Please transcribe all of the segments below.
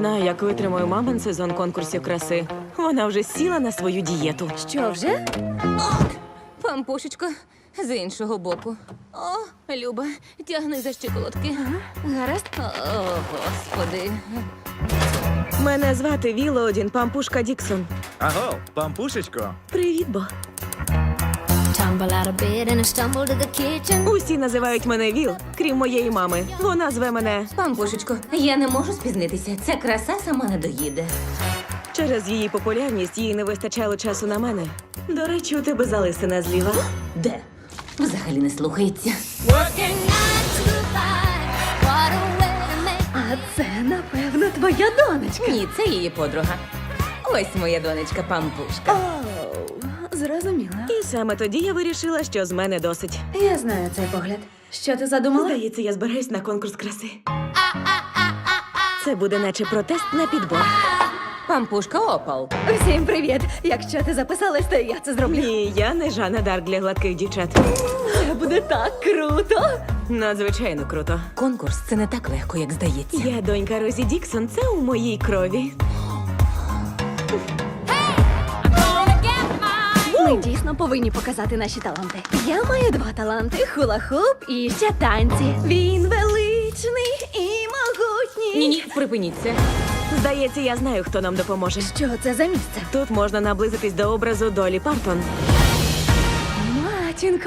знаю, як витримаю мамин сезон конкурсів краси. Вона вже сіла на свою дієту. Що вже? Пампушечко, з іншого боку. О, Люба, тягни за щиколотки. Гаразд. О, Господи. Мене звати Вілоодін Пампушка Діксон. Аго, пампушечко. Привіт, Бо. Tumble out of bed and I stumble to the kitchen. Усі називають мене Віл, крім моєї мами. Вона зве мене Пампушечко, я не можу спізнитися. Ця краса сама не доїде. через її популярність, їй не вистачало часу на мене. До речі, у тебе залисина зліва. Де? Взагалі не слухається. Working 9 to 5. What a way to make. А це, напевно, твоя донечка. Ні, це її подруга. Ось моя донечка Пампушка. Зрозуміла. І саме тоді я вирішила, що з мене досить. Я знаю цей погляд. Що ти задумала? Здається, я збираюсь на конкурс краси. Це буде наче протест на підбор. Пампушка Опал. Всім привіт! Якщо ти записалась, то я це зроблю. Ні, я не Жанна Дарк для гладких дівчат. Це буде так круто! Надзвичайно круто. Конкурс це не так легко, як здається. Я донька Розі Діксон, це у моїй крові. Ми дійсно повинні показати наші таланти. Я маю 2 таланти: хула-хуп і ще танці. Він величний і могутній. Ні, припиніть це. Здається, я знаю, хто нам допоможе. Що це за місце? Тут можна наблизитись до образу Долі Партон. Матінко,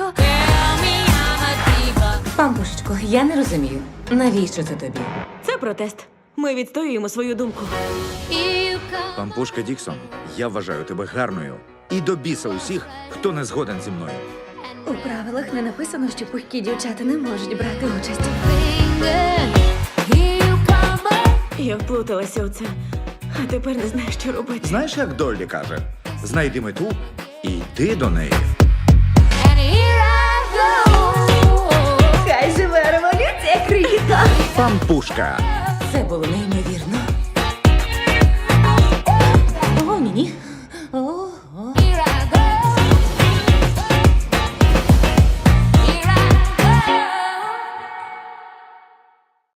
Пампушечко, я не розумію. Навіщо це тобі? Це протест. Ми відстоюємо свою думку. Пампушка Діксон, я вважаю тебе гарною. І до біса усіх, хто не згоден зі мною. у правилах не написано, що пухкі дівчата не можуть брати участь. Я вплуталася у це, а тепер не знаю, що робити. Знаєш, як Доллі каже? Знайди мету і йди до неї. Хай живе революція, крихітка! Пампушка. Це було неймовірно.